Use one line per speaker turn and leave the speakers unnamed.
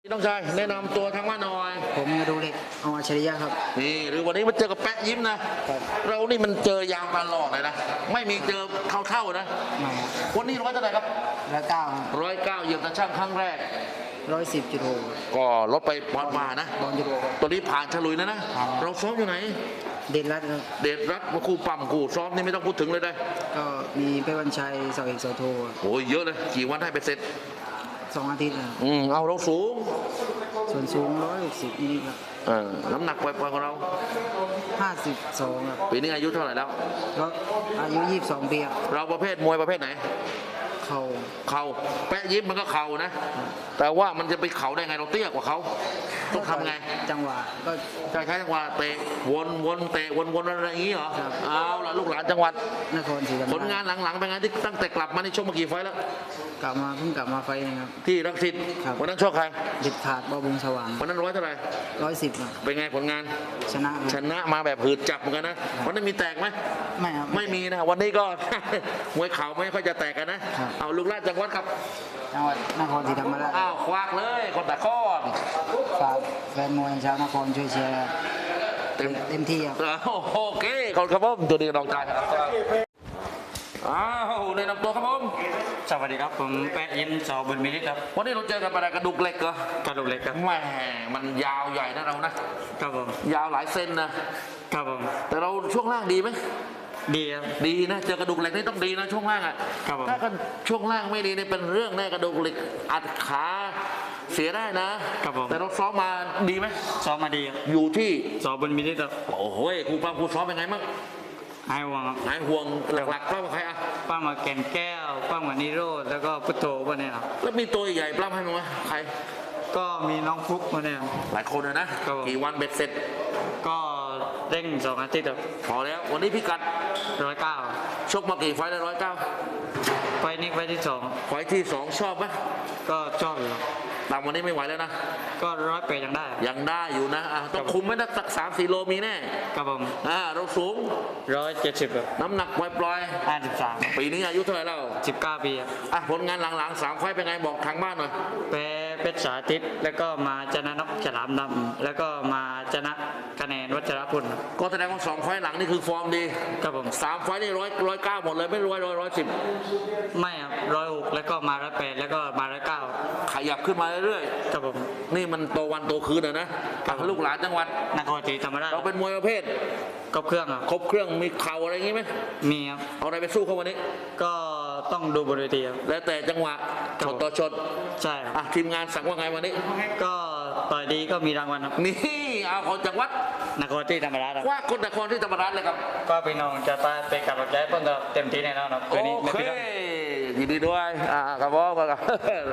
ต้องชายแนะนำตัวทางบ้านหน่อย
ผมดูเล็กเอาอัจฉริยะครับ
นี่หรือวันนี้มาเจอกับแปะยิ้มนะเรานี่มันเจอยางตลอดเลยนะไม่มีเจอเท่านะวันนี้ร้อยเท่าไหร่ครับ109เหยียบตะช่างครั้งแรก
110.6
ก็ลดไปปอนด์มานะตัวนี้ผ่านฉลุยแล้วนะเราซ้อมอยู่ไหน
เด่นรัตน์ครับ
เดชรัตน์มาคู่ปั๊มคู่ซ้อมนี่ไม่ต้องพูดถึงเลยได้
ก็มีเป้วันชัยเสาเอกเสาโท
โอ้ยเยอะเลยกี่วันให้ไปเสร็จ
2 อาทิตย์ครับ
เอาเราสูง
ส่วนสูง160นี่ครับ
น้ำหนักปล่อยๆของเรา
52ครับ
ปีนี้อายุเท่าไหร่แล้ว
อายุ22 ปีครับ
เราประเภทมวยประเภทไหน
เข่า
แปะยิ้มมันก็เข่านะแต่ว่ามันจะไปเข่าได้ไงเราเตี้ยกว่าเขาต้องทำไง
จังหวะก็
ใช้จังหวะเตะวนเตะวนอะไรอย่างนี้เหรอเอาล่ะลูกหลานจังหวัด
นครศรีธรรมราช
ผลงานหลังๆเป็นไงที่ตั้งแต่กลับมาในช่วงเมื่อกี่ไฟแล้ว
เพิ่งกลับมาไฟนึงครับ
ที่รังสิตวันนั้นชกใคร
เด็ดขาดบอบุงสว่าง
วันนั้นร้อยเท่าไหร่
110ครับ
เป็นไงผลงานชนะมาแบบหืดจับเหมือนกันนะวันนั้นมีแตกไหม
ไม่ครับ
ไม่มีนะวันนี้ก็ มวยเข่าไม่ค่อยจะแตกกันนะเอาลูกหลานจังหวัดครับ
จังหวัดนครศรีธรรมราช
ควักเลยคนตะก้อน
ฝากแฟนมวยชาวนครช่วยเชียร์เต็มที่ครับ
โอเคขอบคุณครับผมตัวนี้น้องชายครับในนำตัวครับผม
สวัสดีครับผมแปะยิ้มสอบุญมิตรครับ
วันนี้เราเจอกันอะไรกระดูกเหล็กเหร
อกระดูกเหล็กครับ
แหมมันยาวใหญ่นะเรานะครับ
ผม
ยาวหลายเซนนะครับ
ผม
แต่เราช่วงล่างดีไหม
ดีครับ
ดีนะเจอกระดูกเหล็กนี่ต้องดีนะช่วงล่างถ้ากันช่วงล่างไม่ดีนี่เป็นเรื่องแน่กระดูกเหล็กอัดขาเสียได้นะครับผมแต่เราซ้อมมาดีไหม
ซ้อมมาดี
อยู่ที่
สอบุญมิตรครับ
โอ้โหครูปั้มครูซ้อมเป็นไงมั่ง
หายห่วงครับ
หายห่วงหลักๆป้ามาใคร
ป้ามาแก่นแก้วป้ามานิโรธแล้วก็พุทโธพวกนี้ครับ
แล้วมีตัวใหญ่ป้าให้มั้ยใคร
ก็มีน้องฟุกมาเนี่ย
หลายคนเลยนะกี่วันเบ็ดเสร็จ
ก็เร่ง2 อาทิตย์ครับ
พอแล้ววันนี้พิกัด
109
ชกมากี่ไฟได้
109ไฟนี้ไฟที่2
ไฟที่2ชอบไหม
ก็ชอบอยู่
ตามวันนี้ไม่ไหวแล้วนะ
ก็108ยัง
ได้อยู่นะต้องคุมไม่ได้สัก3-4 โลมีแน่
ครับผม
เราสูง
170ครับ
น้ำหนักปล่อย
53
ปีนี้อายุเท่าไหร่แล้ว
19 ปี
ผลงานหลังๆ3 ไฟเป็นไงบอกทางบ้านหน่อย
เพชรสาธิตแล้วก็มาชนะนกฉลามดำแล้วก็มาชนะคะแนนวัชรพล
ก็แสดงว่า2 ไฟหลังนี่คือฟอร์มดี
ครับผม
3 ไฟนี่109หมดเลยไม่110
ไม่ครับ106แล้วก็มา108แล้วก็มา109
ขยับขึ้นมาเรื่อย
ๆครับผม
นี่มันโตวันโตคืนนะลูกหลานจังหวัด
นครศรีธรรมราช
เราเป็นมวยประเภท
ครบเครื่อง
มีเข่าอะไรอย่างงี้ไหม
มีครับ
เอาอะไรไปสู้เขาวันนี้
ก็ต้องดูบนเวทีครับ
แล้วแต่จังหวะชดต่อชด
ใช่
ทีมงานสั่งว่าไงวันนี้
ก็ต่อยดีก็มีรางวัลครับ
นี่เอาคนจังหวัด
นครศรีธรรมราช
ว่าคนนครศรีธรรมราชเลยครับ
ก็พี่น้องจะไปกับรถใจเพิ่งเต็มที่แน่นอนครับ
โอเคยินดีด้วยครับผม